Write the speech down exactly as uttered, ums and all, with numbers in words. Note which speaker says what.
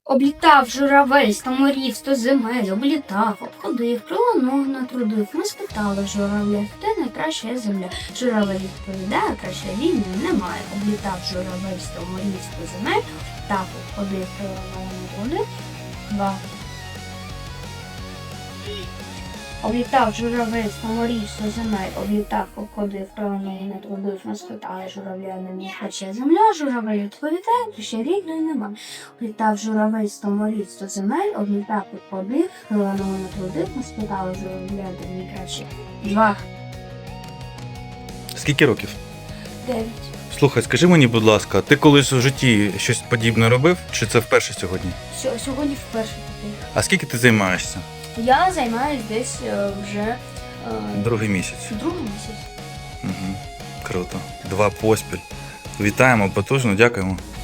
Speaker 1: Облітав журавель сто морів, сто земель, облітав, обходив, крило ног натрудив. Ми спитали журавля, хто найкраща земля. Журавель відповідає, краще війни немає. Облітав журавель сто морів, сто земель, так обходив, крило ног натрудив. Два. Облітав журавель сто морів, сто земель, облітав, обходив, крило ног натрудив. Ми спитали журавля, найкраща земля. Журавель відповідає, краще рідної немає. Облітав журавель сто морів, сто земель, облітав, обходив, крило ног натрудив. Ми спитали журавля, найкраще. Два.
Speaker 2: Скільки років?
Speaker 1: Дев'ять.
Speaker 2: Слухай, скажи мені, будь ласка, ти колись у житті щось подібне робив, чи це вперше сьогодні?
Speaker 1: Сьо- Сьогодні вперше такий.
Speaker 2: А скільки ти займаєшся?
Speaker 1: Я займаюсь десь е, вже е,
Speaker 2: Другий місяць.
Speaker 1: другий місяць.
Speaker 2: Угу. Круто. Два поспіль. Вітаємо, потужно, дякуємо.